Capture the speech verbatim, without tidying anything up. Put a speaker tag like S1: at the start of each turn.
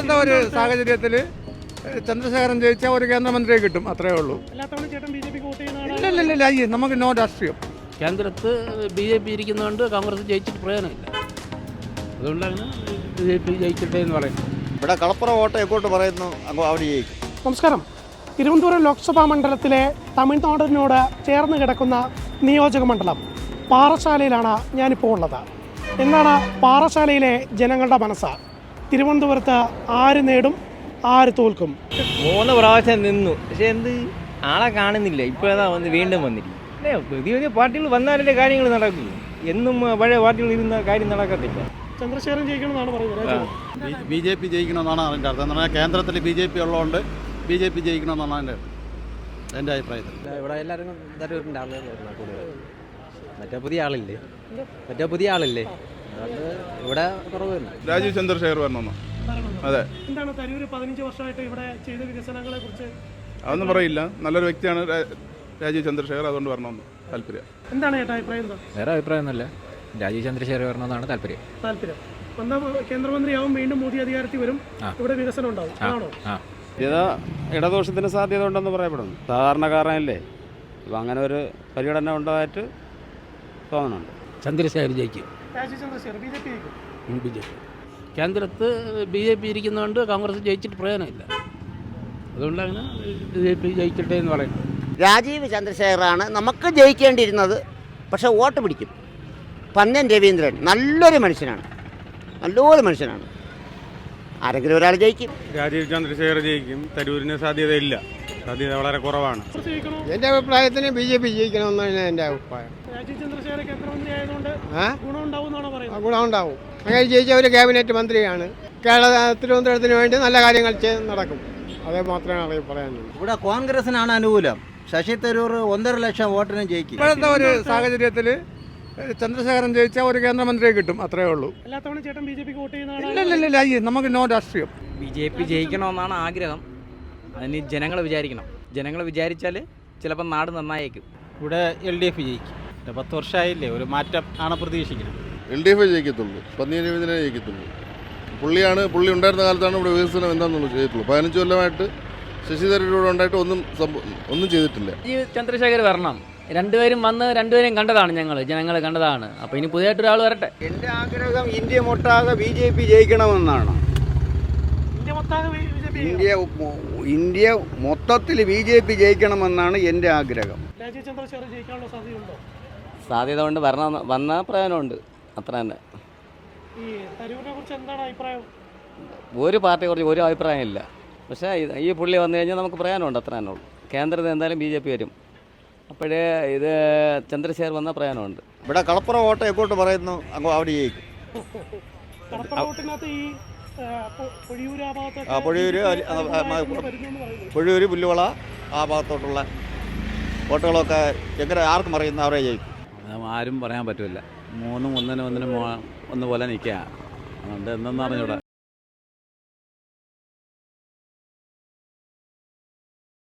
S1: ഇപ്പോഴത്തെ ഒരു സാഹചര്യത്തിൽ ചന്ദ്രശേഖരൻ ജയിച്ചാൽ ഒരു കേന്ദ്രമന്ത്രിയെ കിട്ടും, അത്രേ ഉള്ളൂ. ഇല്ല അയ്യേ നമുക്ക് നോ രാഷ്ട്രീയം.
S2: കേന്ദ്രത്ത് ബി ജെ പി ഇരിക്കുന്നതുകൊണ്ട് കോൺഗ്രസ് ജയിച്ചിട്ട് പ്രയോജനമില്ല. അതുകൊണ്ടാണ് ബി ജെ പി ജയിക്കട്ടെ എന്ന് പറയുന്നത്.
S3: ഇവിടെ കളപ്പുറ വോട്ട് എങ്ങോട്ട് പറയുന്നു അവിടെ ജയിക്കും.
S4: നമസ്കാരം. തിരുവനന്തപുരം ലോക്സഭാ മണ്ഡലത്തിലെ തമിഴ്നാടിനോട് ചേർന്ന് കിടക്കുന്ന നിയോജക മണ്ഡലം പാറശാലയിലാണ് ഞാനിപ്പോൾ ഉള്ളത്. എന്താണ് പാറശാലയിലെ ജനങ്ങളുടെ മനസ്സ്? തിരുവനന്തപുരത്ത് ആര് നേടും, ആര് തോൽക്കും?
S5: മൂന്ന് പ്രാവശ്യം നിന്നു, പക്ഷെ എന്ത് ആളെ കാണുന്നില്ല. ഇപ്പോഴാ വന്ന് വീണ്ടും വന്നിരിക്കും. പുതിയ പുതിയ പാർട്ടികൾ വന്നാലല്ലേ കാര്യങ്ങൾ നടക്കൂ. എന്നും പഴയ പാർട്ടികൾ ഇരുന്ന കാര്യം നടക്കത്തില്ല.
S4: ചന്ദ്രശേഖരൻ ജയിക്കണമെന്നാണ് പറയുന്നത്.
S3: ബി ജെ പി ജയിക്കണമെന്നാണ് അതിൻ്റെ അർത്ഥം. എന്ന് പറഞ്ഞാൽ കേന്ദ്രത്തിൽ ബി ജെ പി ഉള്ളതുകൊണ്ട് ബി ജെ പി ജയിക്കണമെന്നാണ് എൻ്റെ എൻ്റെ അഭിപ്രായത്തിൽ.
S5: ഇവിടെ എല്ലാവരും തരൂരിൻ്റെ ആളുകളാണ് കൂടുതൽ. മറ്റേ പുതിയ ആളില്ലേ മറ്റേ പുതിയ ആളില്ലേ അതുകൊണ്ട് ഇവിടെ കുറവില്ല.
S6: രാജീവ് ചന്ദ്രശേഖർ വരണമെന്നോ? അതെ.
S4: എന്താണ് തരൂര് പതിനഞ്ച് വർഷമായിട്ട് ഇവിടെ ചെയ്ത വികസനങ്ങളെ കുറിച്ച്?
S6: അതൊന്നും പറയില്ല. നല്ലൊരു വ്യക്തിയാണ് രാജീവ് ചന്ദ്രശേഖർ, അതുകൊണ്ട് വരണമെന്ന് താല്പര്യം.
S4: എന്താണ് ചേട്ടാ അഭിപ്രായം? എന്താ?
S5: വേറെ അഭിപ്രായമൊന്നുമില്ല. രാജീവ് ചന്ദ്രശേഖർ വരണമെന്നാണ് താല്പര്യം.
S4: താല്പര്യം വന്ന കേന്ദ്രമന്ത്രിയാവും, വീണ്ടും മോദി അധികാരത്തിൽ വരും, ഇവിടെ വികസനം ഉണ്ടാവും. ആണോ?
S7: ഇത് ഇടദോഷത്തിന് സാധ്യത ഉണ്ടെന്ന് പറയപ്പെടുന്നു. സാധാരണക്കാരനല്ലേ, ഇപ്പം അങ്ങനെ ഒരു പരിഗണന ഉണ്ടായിട്ട് തോന്നുന്നുണ്ട്.
S2: ചന്ദ്രശേഖർ ജയിക്കും.
S4: Rajeev Chandrasekhar B J P ജയിക്കും.
S2: ബി ജെ പി കേന്ദ്രത്ത് ബി ജെ പി ഇരിക്കുന്നതുകൊണ്ട് കോൺഗ്രസ് ജയിച്ചിട്ട് പ്രയോജനമില്ല. അതുകൊണ്ടാണ് ബി ജെ പി ജയിക്കട്ടെ എന്ന് പറയുന്നത്.
S8: രാജീവ് ചന്ദ്രശേഖറാണ് നമുക്ക് ജയിക്കേണ്ടിയിരുന്നത്, പക്ഷേ വോട്ട് പിടിക്കും. പന്നൻ രവീന്ദ്രൻ നല്ലൊരു മനുഷ്യനാണ്, നല്ലൊരു മനുഷ്യനാണ്. ആരെങ്കിലും ഒരാൾ ജയിക്കും.
S7: രാജീവ് ചന്ദ്രശേഖർ ജയിക്കും. തരൂരിന് സാധ്യതയില്ല, സാധ്യത വളരെ കുറവാണ്.
S9: എൻ്റെ അഭിപ്രായത്തിന് ബി ജെ പി ജയിക്കണമെന്നാണ് എൻ്റെ അഭിപ്രായം.
S4: രാജീവ് ചന്ദ്രശേഖർ കേന്ദ്രമന്ത്രി ആയതുകൊണ്ട് ഗുണം ഉണ്ടാവും എന്നാണ് പറയുന്നത്.
S9: ഗുണം ഉണ്ടാവും. അങ്ങനെ ജയിച്ച ഒരു ക്യാബിനറ്റ് മന്ത്രിയാണ്. കേരള തിരുവനന്തപുരത്തിന് വേണ്ടി നല്ല കാര്യങ്ങൾ ചെയ്ത് നടക്കും. അതേ മാത്രമേ അറിയാൻ പറയാനുള്ളൂ.
S3: ഇവിടെ കോൺഗ്രസിനാണ് അനുകൂലം. ശശി തരൂർ ഒന്നര ലക്ഷം വോട്ടിനും ജയിക്കും.
S1: ഇപ്പോഴത്തെ ഒരു സാഹചര്യത്തിൽ ചന്ദ്രശേഖരൻ ജയിച്ചാൽ ഒരു കേന്ദ്രമന്ത്രിയെ കിട്ടും, അത്രേ ഉള്ളൂ.
S4: എല്ലാ തവണ ചേട്ടൻ ബി ജെ പിക്ക് വോട്ട് ചെയ്യുന്നതാണ്.
S1: ഇല്ല ഇല്ല അയ്യേ നമുക്ക് നോ രാഷ്ട്രീയം.
S5: ബി ജെ പി ജയിക്കണമെന്നാണ് ആഗ്രഹം. അതിന് ജനങ്ങൾ വിചാരിക്കണം. ജനങ്ങൾ വിചാരിച്ചാൽ ചിലപ്പോൾ നാട് നന്നായേക്കും.
S7: ഇവിടെ എൽ ഡി എഫ് ജയിക്കും. പത്ത് വർഷമായില്ലേ, ഒരു മാറ്റം ആണ് പ്രതീക്ഷിക്കുന്നത്.
S6: എൽ ഡി എഫ് ജയിക്കത്തുള്ളൂ. പന്നിയ രവീന്ദ്രനെ ജയിക്കത്തുള്ളൂ. പുള്ളിയാണ് പുള്ളി ഉണ്ടായിരുന്ന കാലത്താണ് ഇവിടെ വികസനം എന്താണെന്നുള്ളത് ചെയ്തിട്ടുള്ളൂ. പതിനഞ്ച് കൊല്ലമായിട്ട് ശശി തരൂരോട് ഉണ്ടായിട്ട് ഒന്നും ഒന്നും ചെയ്തിട്ടില്ല.
S5: ഈ ചന്ദ്രശേഖർ വരണം. രണ്ടുപേരും വന്ന് രണ്ടുപേരും കണ്ടതാണ്, ഞങ്ങൾ ജനങ്ങൾ കണ്ടതാണ്. അപ്പോൾ ഇനി പുതിയതായിട്ട് ഒരാൾ വരട്ടെ.
S3: എൻ്റെ ആഗ്രഹം ഇന്ത്യ മൊട്ടാകെ ബി ജെ പി ജയിക്കണമെന്നാണ്. ഇന്ത്യ ഇന്ത്യ മൊത്തത്തിൽ ബി ജെ പി ജയിക്കണമെന്നാണ് എൻ്റെ ആഗ്രഹം.
S4: രാജീവ് ചന്ദ്രശേഖർ ജയിക്കാനുള്ള സാധ്യതയുണ്ടോ?
S5: സാധ്യത കൊണ്ട് വരണം, വന്ന പ്രയോജനമുണ്ട്, അത്ര തന്നെ.
S4: ഈ തരൂരിനെ കുറിച്ച് എന്താണ് അഭിപ്രായം?
S5: ഒരു പാർട്ടിയെ കുറിച്ച് ഒരു അഭിപ്രായമില്ല. പക്ഷേ ഈ പുള്ളി വന്നു കഴിഞ്ഞാൽ നമുക്ക് പ്രയോജനമുണ്ട്, അത്ര തന്നെ ഉള്ളൂ. കേന്ദ്രത്തിൽ എന്തായാലും ബി ജെ പി വരും. അപ്പോഴേ ഇത് ചന്ദ്രശേഖർ വന്ന പ്രയോജനമുണ്ട്.
S3: ഇവിടെ കളപ്പുറ വോട്ട് എങ്ങോട്ട് പറയുന്നു അവിടെ ജയിക്കും. പൊഴിയൂര് പൊഴിയൂര് പുല്ലുവള ആ ഭാഗത്തോട്ടുള്ള വോട്ടുകളൊക്കെ എങ്ങനെ ആർക്കും അറിയുന്ന അവരെ ജയിക്കും.
S7: ആരും പറയാൻ പറ്റില്ല. മൂന്നും ഒന്നിനും ഒന്നിനും ഒന്ന് പോലെ നിൽക്കുക. അതുകൊണ്ട് എന്തെന്ന് അറിഞ്ഞൂടാ.